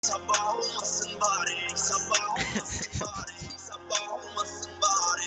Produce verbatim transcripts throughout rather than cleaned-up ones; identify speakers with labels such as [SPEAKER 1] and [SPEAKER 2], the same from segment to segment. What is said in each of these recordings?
[SPEAKER 1] Sabah olmasın bari, sabah olmasın bari, sabah olmasın bari.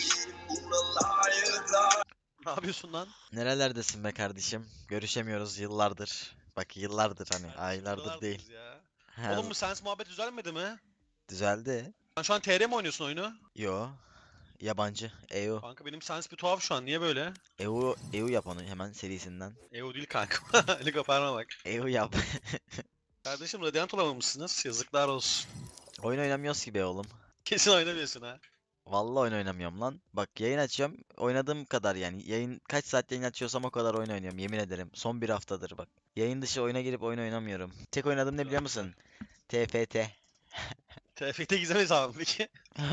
[SPEAKER 1] Buralarda.
[SPEAKER 2] Ne yapıyorsun lan?
[SPEAKER 3] Nerelerdesin be kardeşim? Görüşemiyoruz yıllardır. Bak yıllardır hani
[SPEAKER 2] Kardeşim,
[SPEAKER 3] aylardır değil.
[SPEAKER 2] buralardayız Ya.
[SPEAKER 3] Ha,
[SPEAKER 2] Oğlum bu Sens muhabbet düzelmedi mi?
[SPEAKER 3] düzeldi.
[SPEAKER 2] Sen şu an T R mi oynuyorsun oyunu?
[SPEAKER 3] Yo. Yabancı. E U.
[SPEAKER 2] Kanka benim Sens bir tuhaf şu an. Niye böyle?
[SPEAKER 3] E U, E U yap onu hemen serisinden.
[SPEAKER 2] E O değil kanka. Ali koparma bak.
[SPEAKER 3] E U yap.
[SPEAKER 2] Kardeşim Radiant olamamışsınız. Yazıklar olsun.
[SPEAKER 3] Oyun oynamıyoruz ki be oğlum.
[SPEAKER 2] Kesin oynamıyorsun ha.
[SPEAKER 3] Vallahi oyun oynamıyorum lan. Bak yayın açıyorum. Oynadığım kadar yani. Yayın kaç saat yayın açıyorsam o kadar oyun oynuyorum. Yemin ederim. Son bir haftadır bak. Yayın dışı oyuna girip oyun oynamıyorum. Tek oynadığım ne biliyor musun? T F T.
[SPEAKER 2] T F T gizem hesabı peki.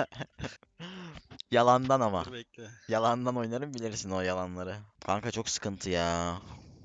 [SPEAKER 3] Yalandan ama.
[SPEAKER 2] Dur bekle.
[SPEAKER 3] Yalandan oynarım bilirsin o yalanları. Kanka çok sıkıntı ya.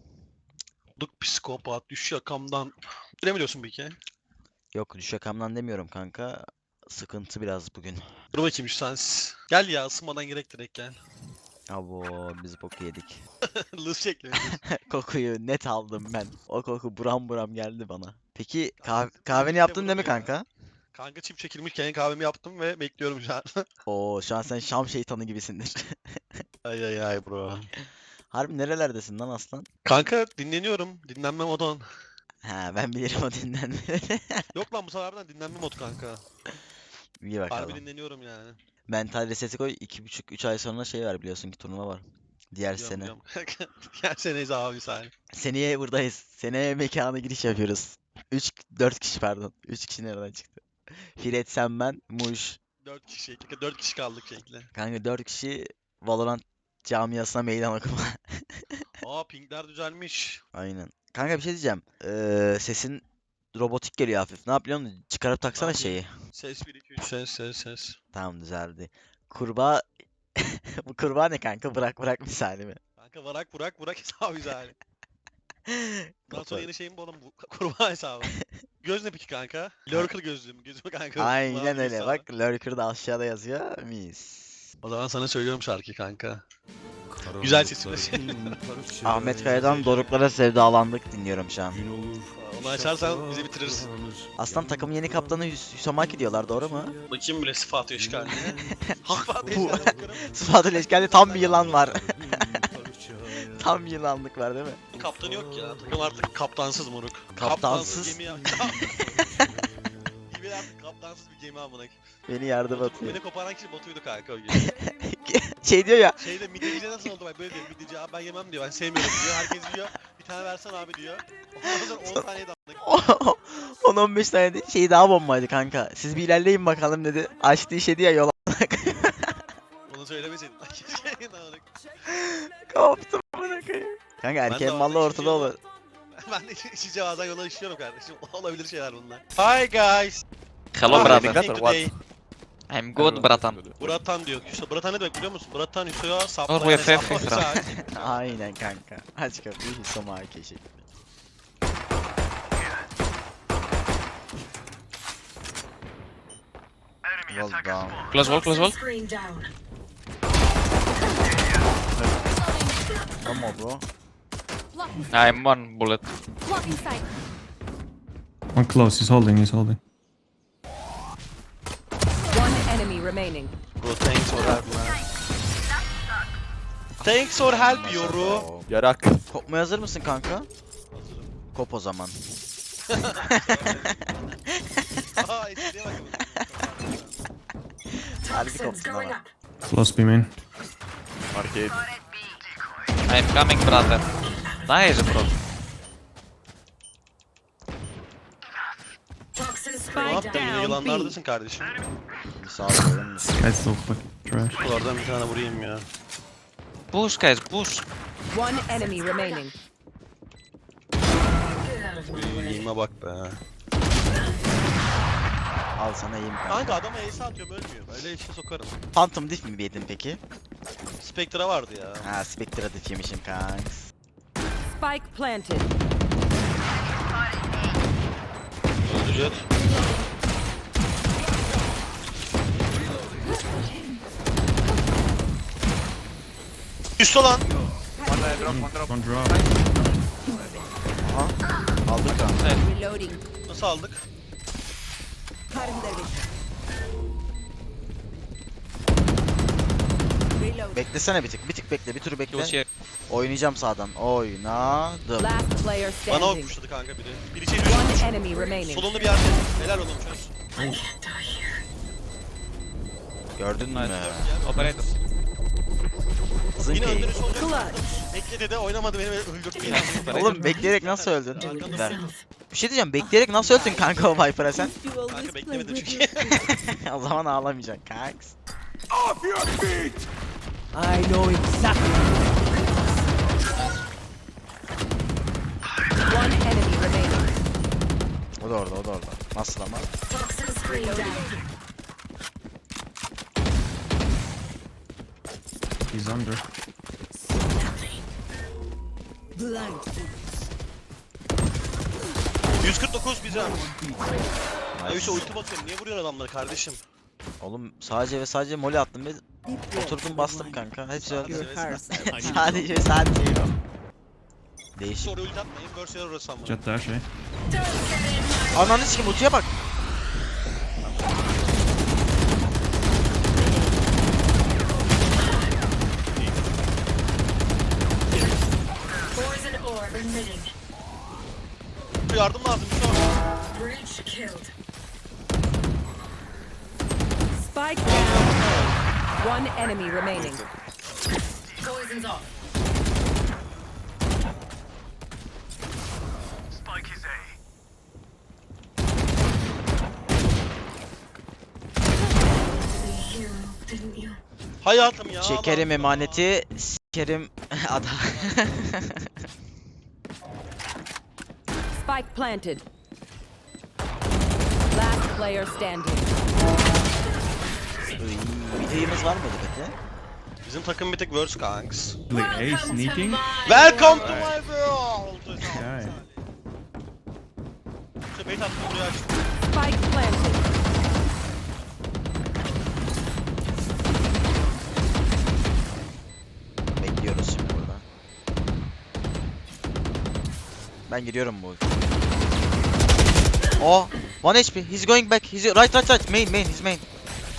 [SPEAKER 2] Duk psikopat düş yakamdan. Ne biliyorsun peki?
[SPEAKER 3] Yok düşakamdan demiyorum kanka. Sıkıntı biraz bugün.
[SPEAKER 2] Dur bakayım şu Sens. Gel ya ısınmadan gerek direkt gel.
[SPEAKER 3] Abo biz boku yedik.
[SPEAKER 2] Lız şekli.
[SPEAKER 3] Kokuyu net aldım ben. O koku buram buram geldi bana. Peki
[SPEAKER 2] Kanka,
[SPEAKER 3] kah-
[SPEAKER 2] bizim
[SPEAKER 3] kahveni
[SPEAKER 2] birlikte
[SPEAKER 3] yaptın değil mi
[SPEAKER 2] vurulmuyor ya.
[SPEAKER 3] kanka?
[SPEAKER 2] Kanka çip çekilmişken kahvemi yaptım ve bekliyorum şu an.
[SPEAKER 3] Oo şu an sen Şam şeytanı gibisindir.
[SPEAKER 2] Ay ay ay bro.
[SPEAKER 3] Harbi nerelerdesin lan aslan?
[SPEAKER 2] Kanka dinleniyorum. Dinlenme modon.
[SPEAKER 3] Ha ben bilirim o dinlenmeleri.
[SPEAKER 2] Yok lan bu sefer harbiden dinlenme mod kanka.
[SPEAKER 3] İyi
[SPEAKER 2] Harbi
[SPEAKER 3] bakalım.
[SPEAKER 2] dinleniyorum yani.
[SPEAKER 3] Mental reseti koy. iki buçuk üç ay sonra şey var biliyorsun ki turnuva var. Diğer
[SPEAKER 2] Biliyorum
[SPEAKER 3] sene.
[SPEAKER 2] biliyorum. Gel seneyiz abi sen.
[SPEAKER 3] Seneye buradayız. Seneye mekana giriş yapıyoruz. üç dört kişi pardon. üç kişi nereden çıktı? Firet sen ben Muş.
[SPEAKER 2] Dört kişi. Kanka dört kişi kaldık şekli.
[SPEAKER 3] Kanka dört kişi Valorant camiasına meydan okuma.
[SPEAKER 2] Aa pingler düzelmiş.
[SPEAKER 3] Aynen. Kanka bir şey diyeceğim. Ee, sesin robotik geliyor hafif. Ne yapıyorsun? Çıkarıp taksana
[SPEAKER 2] yapayım?
[SPEAKER 3] şeyi.
[SPEAKER 2] Ses bir iki üç ses ses ses.
[SPEAKER 3] Tamam düzeldi. Kurbağa... Bu kurbağa ne kanka? Bırak bırak misali mi?
[SPEAKER 2] Kanka Burak Burak Burak hesabı güzel. Bundan sonra
[SPEAKER 3] Kafa-
[SPEAKER 2] yeni şeyim bu oğlum bu kurbağa hesabı. Göz ne peki kanka? Lurker gözlüğüm. Gözüme kanka.
[SPEAKER 3] Aynen
[SPEAKER 2] kulağım
[SPEAKER 3] öyle.
[SPEAKER 2] hesabı.
[SPEAKER 3] Bak Lurker da aşağıda yazıyor. Mis.
[SPEAKER 2] O zaman sana söylüyorum şarkıyı kanka. Güzel sesi.
[SPEAKER 3] Ahmet Kaya'dan Doruklara Sevdalandık dinliyorum şu an.
[SPEAKER 2] Onu açarsan bizi bitirirsin.
[SPEAKER 3] Aslan takımın yeni kaptanı Hüs Hüsamaki diyorlar doğru mu?
[SPEAKER 2] Bakayım bile sıfatı işgaline. Sıfatı
[SPEAKER 3] Bu-
[SPEAKER 2] işgaline bakarım.
[SPEAKER 3] Sıfatı Leşkel'de tam bir yılan var. Tam yılanlık var değil mi?
[SPEAKER 2] Kaptanı yok ya. Takım artık kaptansız moruk.
[SPEAKER 3] Kaptansız?
[SPEAKER 2] gemi ya. Gemi artık kaptansız bir gemi amına.
[SPEAKER 3] Beni yardım
[SPEAKER 2] Botu-
[SPEAKER 3] atıyor.
[SPEAKER 2] Beni koparan kişi botuydu kanka o gün.
[SPEAKER 3] Şey diyor ya.
[SPEAKER 2] Şeyde midyecice nasıl oldu bak böyle diyor. Midyeci abi ben yemem diyor. Ben sevmiyorum diyor. Herkes yiyor. Bir tane versen abi diyor. Ondan sonra on tane de amına.
[SPEAKER 3] on on beş tane de şey daha bombaydı kanka. Siz bir ilerleyin bakalım dedi. Açtı işedi ya yola.
[SPEAKER 2] Onu söylemeseydin. Keşke amına.
[SPEAKER 3] Koptum amına koyayım. Kanka erkeğin
[SPEAKER 2] bazen
[SPEAKER 3] mallı ortada
[SPEAKER 2] işeceğim
[SPEAKER 3] olur.
[SPEAKER 2] Ben de işince bazen yola işiyorum kardeşim. Olabilir şeyler bunlar. Hi guys.
[SPEAKER 4] Hello
[SPEAKER 2] How are you
[SPEAKER 4] brother.
[SPEAKER 2] doing today?
[SPEAKER 4] I'm good bratan.
[SPEAKER 2] Bratan diyor. Hüso, Bratan ne demek biliyor musun? Bratan Hüso'ya
[SPEAKER 4] Or
[SPEAKER 2] saplayan
[SPEAKER 4] we have
[SPEAKER 2] hesapla
[SPEAKER 4] Hüso.
[SPEAKER 2] Hüso.
[SPEAKER 3] Aynen kanka. Aç kapıyı Hüsamaki şekli. Well down.
[SPEAKER 4] Close wall, close wall.
[SPEAKER 5] Screen down.
[SPEAKER 3] Come on bro.
[SPEAKER 5] Blocking,
[SPEAKER 4] I'm one bullet.
[SPEAKER 5] blocking sight.
[SPEAKER 6] One close, he's holding, he's holding.
[SPEAKER 7] One enemy remaining.
[SPEAKER 2] Bro thanks for help man. Thanks for help yoru.
[SPEAKER 8] Yarak.
[SPEAKER 3] Kopmaya hazır mısın kanka? Kop o zaman.
[SPEAKER 2] Aa espriye bak.
[SPEAKER 3] Harbi
[SPEAKER 5] Toxins
[SPEAKER 3] koptun
[SPEAKER 5] going
[SPEAKER 3] ama.
[SPEAKER 5] up.
[SPEAKER 6] Close B main.
[SPEAKER 8] Arcade.
[SPEAKER 4] I'm coming brother. Nice bro.
[SPEAKER 5] Toxin
[SPEAKER 2] Ne
[SPEAKER 5] spray
[SPEAKER 2] yaptın?
[SPEAKER 5] down.
[SPEAKER 2] Yine yılanlardasın kardeşim.
[SPEAKER 3] Bir sağ olun.
[SPEAKER 6] This guy's so fucking trash.
[SPEAKER 2] Oradan bir tane vurayım ya.
[SPEAKER 4] Push guys, push.
[SPEAKER 7] One enemy remaining.
[SPEAKER 5] Get out of my way.
[SPEAKER 2] Yiyime bak be.
[SPEAKER 3] Al sana yiyeyim kanka.
[SPEAKER 2] Kanka adama ace atıyorum ölmüyor. Böyle işe sokarım.
[SPEAKER 3] Phantom diff mi yedin peki?
[SPEAKER 2] Spectre vardı ya.
[SPEAKER 3] Ha Spectre diff yemişim kanks.
[SPEAKER 7] Spike planted.
[SPEAKER 2] Öldü jet. Üstü lan.
[SPEAKER 6] One drop.
[SPEAKER 3] Aldık kanka.
[SPEAKER 7] Reloading.
[SPEAKER 2] Nasıl aldık?
[SPEAKER 3] Beklesene bir tık. Bir tık bekle. Bir tur
[SPEAKER 4] Close
[SPEAKER 3] bekle.
[SPEAKER 4] here.
[SPEAKER 3] Oynayacağım sağdan. Oynadım.
[SPEAKER 7] Last player
[SPEAKER 2] Bana ok
[SPEAKER 7] standing.
[SPEAKER 2] pushladı kanka biri. Biri içeri
[SPEAKER 7] One
[SPEAKER 2] yürüyor.
[SPEAKER 7] enemy remaining.
[SPEAKER 2] Solunda bir yerde. Helal oğlum çöz.
[SPEAKER 3] Gördün mü?
[SPEAKER 4] Nice. Operator.
[SPEAKER 3] Kızın
[SPEAKER 2] Yine
[SPEAKER 3] keyif.
[SPEAKER 2] öldürüş olacak. Bekle de oynamadı beni öldürdü yine.
[SPEAKER 3] Oğlum bekleyerek nasıl öldün?
[SPEAKER 2] Arkanda
[SPEAKER 3] Ver. Bir şey diyeceğim. Bekleyerek nasıl öldün kanka o Viper'a sen?
[SPEAKER 2] Kanka beklemedim çünkü.
[SPEAKER 3] O zaman ağlamayacaksın kanks.
[SPEAKER 7] I know exactly. One enemy remaining.
[SPEAKER 3] O da orada, o da orada. Nasıl ama?
[SPEAKER 6] He's under.
[SPEAKER 2] yüz kırk dokuz bize. Ya Hüso ulti bakıyorum. Niye vuruyorsun adamları kardeşim?
[SPEAKER 3] Oğlum sadece ve sadece mole attım ve oturdum bastım kanka. Hepsi öldü.
[SPEAKER 2] Sadece
[SPEAKER 3] sadece ve sadece o. Değişik.
[SPEAKER 2] Sonra ulti atmayın. Burst yer orası ama.
[SPEAKER 6] Jet dash, eh?
[SPEAKER 3] Ananı sikim ultiye bak.
[SPEAKER 2] Yardım lazım. Hüso.
[SPEAKER 7] Spike down. One enemy remaining.
[SPEAKER 2] Hayatım ya.
[SPEAKER 3] Çekerim
[SPEAKER 2] Allah Allah.
[SPEAKER 3] emaneti, sikerim ada.
[SPEAKER 7] Spike planted. Last player standing.
[SPEAKER 3] Videomuz var mıydı peki?
[SPEAKER 2] Bizim takım bir tek worst kanks.
[SPEAKER 6] Like A sneaking?
[SPEAKER 2] Welcome to my world.
[SPEAKER 6] Yeah.
[SPEAKER 2] İşte bait attım buraya açtım.
[SPEAKER 7] Spike planted.
[SPEAKER 3] Bekliyoruz şimdi burada. Ben giriyorum bu. Oh, one H P. He's going back. He's right, right, right. Main, main, his main.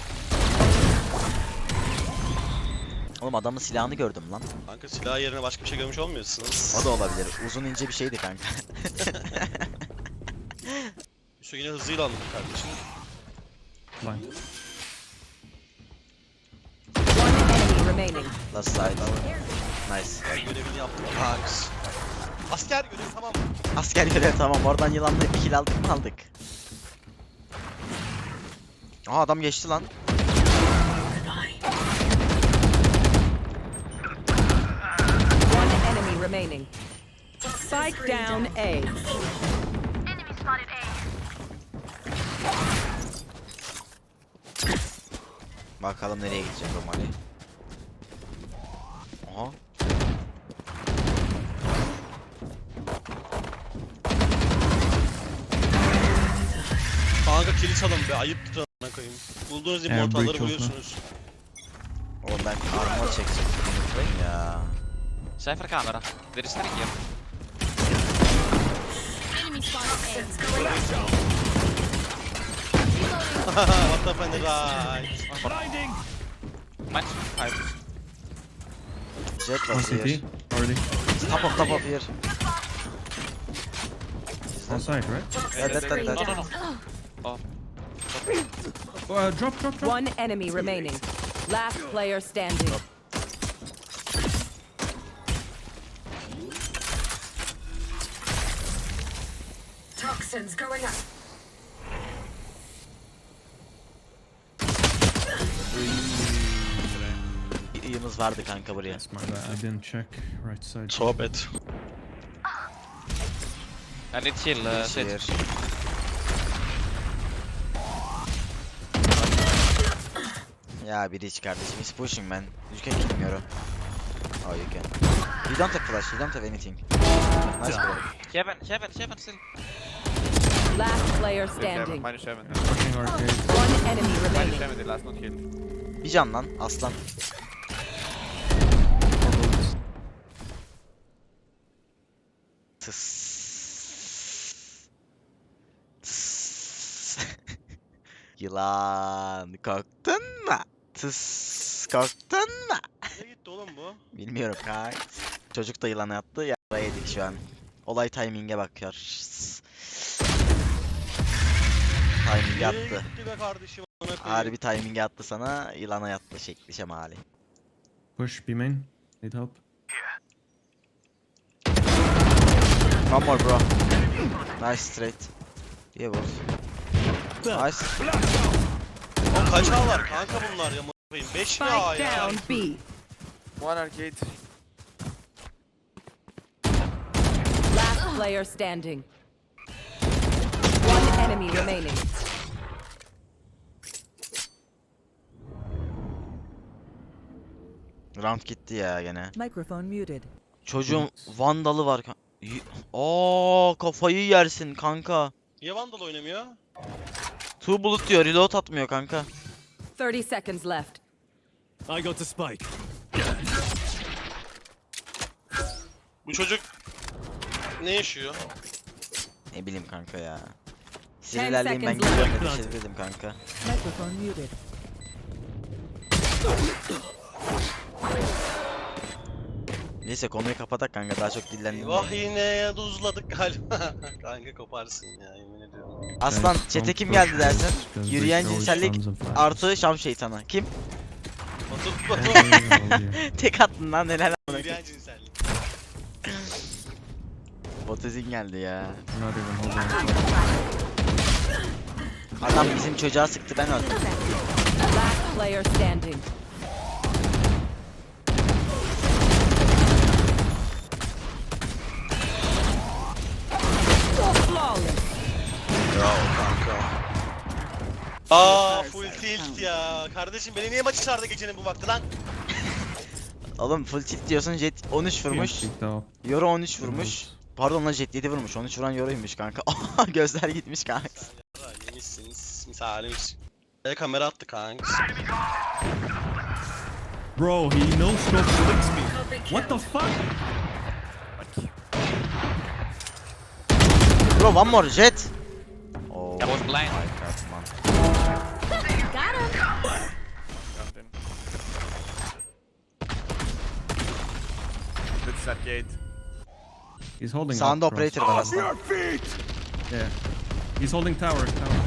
[SPEAKER 3] Oğlum adamın silahını gördüm lan.
[SPEAKER 2] Kanka silah yerine başka bir şey görmüş olmuyorsunuz.
[SPEAKER 3] O da olabilir. Uzun ince bir şeydi kanka.
[SPEAKER 2] Hüso yine hızıyla aldım kardeşim.
[SPEAKER 6] Blind.
[SPEAKER 7] One enemy remaining.
[SPEAKER 3] Last side. Nice.
[SPEAKER 2] Ben görevini yaptım kanks. Asker görevi tamam.
[SPEAKER 3] Asker görev tamam. Oradan yılanla bir kill aldık mı aldık. Aha adam geçti lan.
[SPEAKER 7] One enemy remaining. Spike down A.
[SPEAKER 3] Bakalım nereye gidecek o Mali. Aha.
[SPEAKER 2] Kanka kill çalın be ayıp tutan koyayım. Bulduğunuz
[SPEAKER 6] Yeah,
[SPEAKER 2] immortalları
[SPEAKER 6] breach oldu.
[SPEAKER 2] vuruyorsunuz.
[SPEAKER 3] Oğlum ben armor çekecektim. Unutmayın ya.
[SPEAKER 4] Cypher camera. There is three here.
[SPEAKER 5] Enemy spotted
[SPEAKER 2] What the fuck right.
[SPEAKER 4] Match. Five.
[SPEAKER 3] Jet
[SPEAKER 6] One
[SPEAKER 3] was
[SPEAKER 6] C
[SPEAKER 3] here.
[SPEAKER 6] T. Already.
[SPEAKER 3] Top of top of here.
[SPEAKER 6] On site, right?
[SPEAKER 3] Yeah, that, that,
[SPEAKER 4] No,
[SPEAKER 3] that.
[SPEAKER 4] no, no. Oh.
[SPEAKER 6] Uh, drop, drop, drop.
[SPEAKER 7] One enemy remaining. Last player standing.
[SPEAKER 9] Toxins going up.
[SPEAKER 3] İyimiz vardı kanka buraya.
[SPEAKER 6] That's my bad. I didn't check right side.
[SPEAKER 2] Sohbet.
[SPEAKER 4] I need heal. Uh,
[SPEAKER 3] Şey
[SPEAKER 4] Sage.
[SPEAKER 3] yer. Ya biri hiç kardeşim. He's pushing man. You can kill me Euro. Oh you can. You don't have flash. You don't have anything. Nice bro.
[SPEAKER 4] Heaven, heaven, heaven still.
[SPEAKER 7] Last player standing.
[SPEAKER 8] Minus seven.
[SPEAKER 6] Pushing arcade.
[SPEAKER 7] One enemy
[SPEAKER 8] Minus
[SPEAKER 7] remaining.
[SPEAKER 8] seven, the last not killed.
[SPEAKER 3] Bir can lan aslan. Tıs. Tıs. Yılan korktun mu? Tıs korktun mu?
[SPEAKER 2] Nereye gitti oğlum bu?
[SPEAKER 3] Bilmiyorum kanka. Çocuk da yılan attı ya yedik şu an. Olay timing'e bakıyor. Şşş. Timing'e
[SPEAKER 2] Nereye
[SPEAKER 3] attı.
[SPEAKER 2] gitti be kardeşim? Amına koyayım.
[SPEAKER 3] Harbi timing'e attı sana, yılana yattı şekli şemali.
[SPEAKER 6] Push B main. Need help.
[SPEAKER 3] One more bro. Nice straight. Yeah boss. Nice.
[SPEAKER 2] Oğlum kaç A var kanka bunlar ya? amına koyayım? beş mi A
[SPEAKER 7] Spike
[SPEAKER 2] ya?
[SPEAKER 7] down B.
[SPEAKER 8] One arcade.
[SPEAKER 7] Last player standing. One enemy remaining.
[SPEAKER 3] Round gitti ya gene.
[SPEAKER 7] Microphone muted.
[SPEAKER 3] Çocuğun vandalı var. kan- Y- Aa kafayı yersin kanka.
[SPEAKER 2] Niye Vandal oynamıyor?
[SPEAKER 3] Two bullet diyor, reload atmıyor kanka.
[SPEAKER 7] thirty seconds left.
[SPEAKER 6] I got the spike.
[SPEAKER 2] Bu çocuk ne yaşıyor?
[SPEAKER 3] Ne bileyim kanka ya.
[SPEAKER 7] Ten
[SPEAKER 3] Siz ilerleyin ben
[SPEAKER 7] seconds
[SPEAKER 3] gidiyorum
[SPEAKER 6] left.
[SPEAKER 3] dedi dedim kanka.
[SPEAKER 7] Microphone muted.
[SPEAKER 3] Neyse konuyu kapatak kanka, daha çok dillendim.
[SPEAKER 2] Vah yine tuzladık galiba. Kanka koparsın ya yemin ediyorum.
[SPEAKER 3] Aslan
[SPEAKER 6] Guys,
[SPEAKER 3] çete
[SPEAKER 6] don't
[SPEAKER 3] kim
[SPEAKER 6] push
[SPEAKER 3] geldi
[SPEAKER 6] this,
[SPEAKER 3] dersen?
[SPEAKER 6] because they
[SPEAKER 3] Yürüyen
[SPEAKER 6] throw
[SPEAKER 3] cinsellik
[SPEAKER 6] stones and flags.
[SPEAKER 3] artı Şam şeytanı. Kim?
[SPEAKER 2] Batu
[SPEAKER 6] Yeah,
[SPEAKER 2] Batu.
[SPEAKER 6] yeah, yeah.
[SPEAKER 3] Tek attın lan helal amına
[SPEAKER 2] Yürüyen cinsellik.
[SPEAKER 3] Botezin geldi ya.
[SPEAKER 6] Not even holding.
[SPEAKER 3] Adam bizim çocuğa sıktı, ben öldüm.
[SPEAKER 7] Last player standing. Flawless.
[SPEAKER 2] Bravo kanka. Aa full tilt ya. Kardeşim beni niye maçı çağırdı gecenin bu vakti lan?
[SPEAKER 3] Oğlum full tilt diyorsun, Jet on üç vurmuş.
[SPEAKER 6] Picked out.
[SPEAKER 3] Yoru on üç vurmuş. Pardon lan Jet yedi vurmuş. on üç vuran Yoru'ymuş kanka. Gözler gitmiş kanka.
[SPEAKER 2] Ya yemişsiniz misalimiz. E kamera attı kanka.
[SPEAKER 6] Bro, he no scope flicks me. What the fuck?
[SPEAKER 3] Bro one more Jet. Oh
[SPEAKER 4] I was blind.
[SPEAKER 3] my god man.
[SPEAKER 8] This arcade.
[SPEAKER 6] He's holding
[SPEAKER 3] Sağında
[SPEAKER 6] up, bro.
[SPEAKER 3] operator var aslında.
[SPEAKER 6] Yeah. He's holding tower, tower.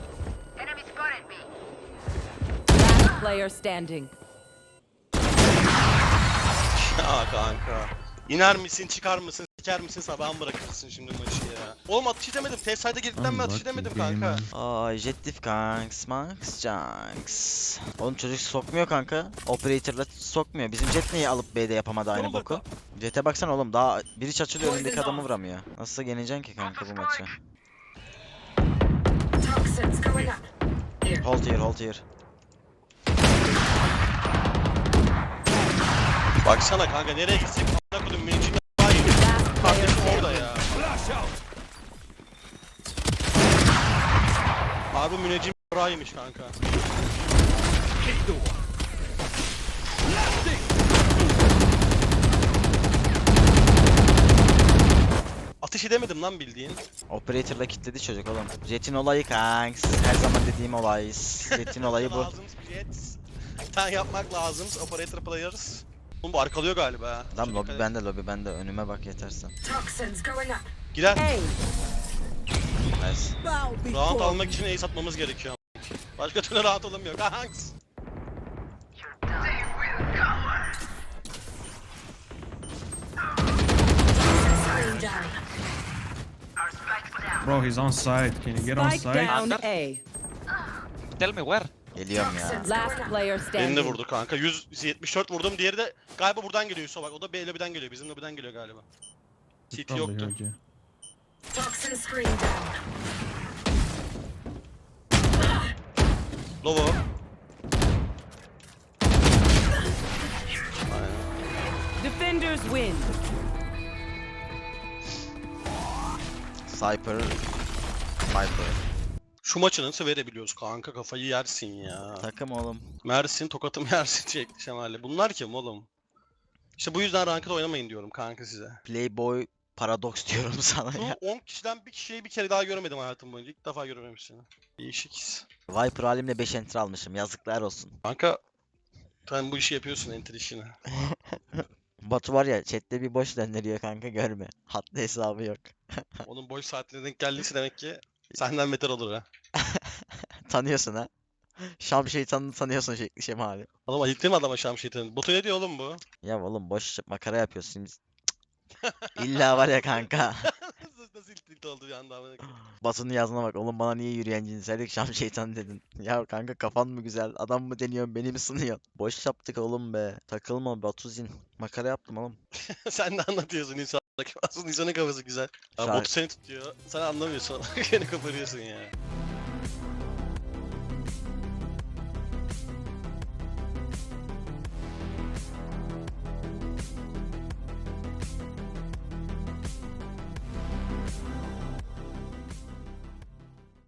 [SPEAKER 7] Last player standing.
[SPEAKER 2] Ya kanka. İner misin çıkar mısın siker misin sabahın bırakırsın şimdi maçı ya. Oğlum atış edemedim. T-side'a girdikten mi atış
[SPEAKER 6] Unlucky
[SPEAKER 2] edemedim
[SPEAKER 6] game,
[SPEAKER 2] kanka.
[SPEAKER 6] man.
[SPEAKER 3] Aa Jet diff kanks, manks, janks. Oğlum çocuk sokmuyor kanka. Operator'la sokmuyor. Bizim Jet niye alıp B'de yapamadı aynı
[SPEAKER 2] oldu
[SPEAKER 3] boku? Jet'e baksana oğlum, daha biri açılıyor önündeki adamı vuramıyor. Nasılsa yeneceksin ki kanka bu maçı.
[SPEAKER 9] Toxins going up. Here.
[SPEAKER 3] Hold here, hold here.
[SPEAKER 2] Baksana kanka nereye gitsek a**ına kodum mümkün hayır.
[SPEAKER 7] Last player
[SPEAKER 2] Kardeşim
[SPEAKER 7] standing.
[SPEAKER 2] orada ya. Abi müneccim raymış kanka. Atış edemedim lan bildiğin.
[SPEAKER 3] Operator'la kilitledi çocuk oğlum. Jet'in olayı kanks. Her zaman dediğim olay. Jet'in olayı bu.
[SPEAKER 2] Lazım jet. Bir tane yapmak lazım. Operator players. Oğlum bu arkalıyor galiba ha.
[SPEAKER 3] Lan
[SPEAKER 2] Şöyle
[SPEAKER 3] lobi
[SPEAKER 2] dikkat et.
[SPEAKER 3] bende, lobi bende. Önüme bak yetersen.
[SPEAKER 9] Toxins going up.
[SPEAKER 2] Girer.
[SPEAKER 7] Hey.
[SPEAKER 3] Nice.
[SPEAKER 2] Round almak için ace atmamız gerekiyor. Başka türlü round alamıyor kanks.
[SPEAKER 9] Screen down.
[SPEAKER 6] Bro, he's on side. Can you get on
[SPEAKER 7] Spike
[SPEAKER 6] side?
[SPEAKER 7] down A.
[SPEAKER 4] Tell me where.
[SPEAKER 3] Geliyorum ya.
[SPEAKER 9] Toxins
[SPEAKER 7] Last
[SPEAKER 9] going up.
[SPEAKER 7] player
[SPEAKER 2] Beni de
[SPEAKER 7] standing.
[SPEAKER 2] vurdu kanka. yüz yetmiş dört vurdum. Diğeri de galiba buradan geliyor Yusuf bak. O da B lobiden geliyor. Bizim lobiden geliyor galiba.
[SPEAKER 6] He
[SPEAKER 2] C T
[SPEAKER 6] probably
[SPEAKER 2] yoktu.
[SPEAKER 6] heard you.
[SPEAKER 9] Toxin screen down.
[SPEAKER 2] Lovo.
[SPEAKER 7] Defenders win.
[SPEAKER 3] Sniper. Sniper.
[SPEAKER 2] Şu maçı nasıl verebiliyoruz kanka? Kafayı yersin ya.
[SPEAKER 3] Takım oğlum.
[SPEAKER 2] Mersin tokatım yersin şekli şemali. Bunlar kim oğlum? İşte bu yüzden ranked oynamayın diyorum kanka size.
[SPEAKER 3] Playboy Paradoks diyorum sana
[SPEAKER 2] Şu
[SPEAKER 3] ya.
[SPEAKER 2] on kişiden bir kişiyi bir kere daha görmedim hayatım boyunca. İlk defa görmemişsin. Değişik his.
[SPEAKER 3] Viper halimle beş enter almışım. Yazıklar olsun.
[SPEAKER 2] Kanka sen bu işi yapıyorsun, enter işini.
[SPEAKER 3] Batu var ya chatte bir boş döndürüyor kanka görme. Hatta hesabı yok.
[SPEAKER 2] Onun boş saatine denk geldiyse demek ki senden beter olur ha.
[SPEAKER 3] Tanıyorsun ha. Şam şeytanını tanıyorsun şekli şemali.
[SPEAKER 2] Oğlum ayıktın mı adama Şam şeytanı? Botu ne diyor oğlum bu?
[SPEAKER 3] Ya oğlum boş makara yapıyorsun. Cık. İlla var ya kanka.
[SPEAKER 2] Nasıl nasıl ilk oldu bir anda amına koyayım?
[SPEAKER 3] Batu'nun yazına bak. Oğlum bana niye yürüyen cinsellik Şam şeytanı dedin. Ya kanka kafan mı güzel? Adam mı deniyorsun? Beni mi sınıyorsun? Boş yaptık oğlum be. Takılma Batuzin. Makara yaptım oğlum.
[SPEAKER 2] Sen de anlatıyorsun insanlara. Aslında insanın kafası güzel. Ya
[SPEAKER 3] Şarkı-
[SPEAKER 2] botu seni tutuyor. Sen anlamıyorsun. Yine koparıyorsun ya.